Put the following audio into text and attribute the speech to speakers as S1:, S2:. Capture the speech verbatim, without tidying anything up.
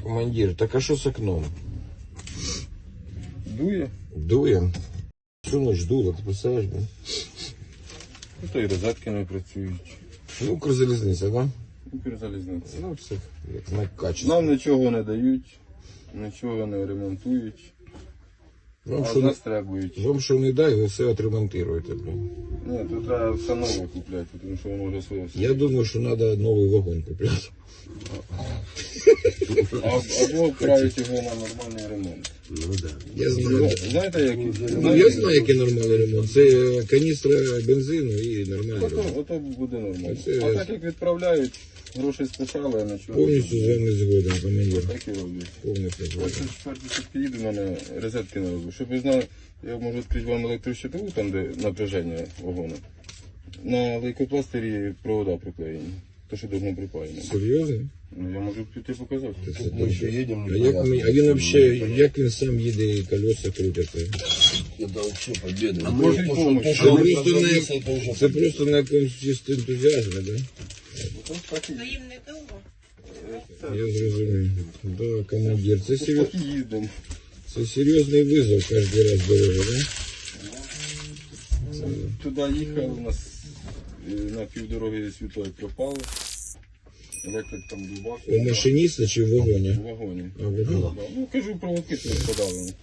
S1: Командир, так а що з окном?
S2: Дує?
S1: Дує. Всю ніч дуло, ти представляєш, блін?
S2: Ну, то і розетки не працюють.
S1: Ну, Укрзалізниця, да?
S2: Укрзалізниця.
S1: Ну, це як знак качества.
S2: Нам нічого не дають, нічого не ремонтують,
S1: Вам
S2: а
S1: що,
S2: з нас требують.
S1: вам що не дай, ви все отремонтуєте, блін.
S2: Ні, тут треба все нове купляти, тому що воно вже своє все.
S1: Я думаю, що треба новий вагон купляти.
S2: А- Або вправити його на нормальний ремонт.
S3: Ну да.
S1: Я знаю.
S2: Знаєте, як?
S1: Ну, я знаю, який нормальний ремонт. Це каністра бензину і нормальний
S2: Ото,
S1: ремонт.
S2: ото буде нормально.
S1: Це
S2: А
S1: я-
S2: так як відправляють, гроші списали, а нічого.
S1: Повністю з вами згоден, командир.
S2: Так і роблять.
S1: Повністю
S2: Я
S1: згоден.
S2: тут четвертий сутки їду, в мене розетки не роблю. Щоб ви знали, я можу відкрити вам електрощитову, там де напряження вагону. На лейкопластирі провода приклеєні. То, що давно припаяно.
S1: Серйозно?
S2: Ну, я можу піти показати.
S1: Це
S3: Мы еще едем.
S1: А, як, ми- а він взагалі, як він сам їде і колеса крутяться?
S3: Это вообще победа.
S2: А может, помощь?
S3: то,
S1: Це
S3: что мы
S1: просто на,
S3: прозвонились, это уже
S1: це просто на якомусь чисто ентузіазмі, да?
S2: Ось так і,
S4: Ну їм не довго.
S1: Я зрозумів. Да, командир, це,
S2: ось
S1: сер...
S2: так і їздимо.
S1: це серйозний визов кожен раз дорога, да?
S2: Туди їхав, у нас е, на півдороги світло як пропало. Електрик там дубав.
S1: У машиніста чи в вагоні?
S2: В вагоні.
S1: А, в вагоні.
S2: Да. Ну, кажу, проводки тут подали.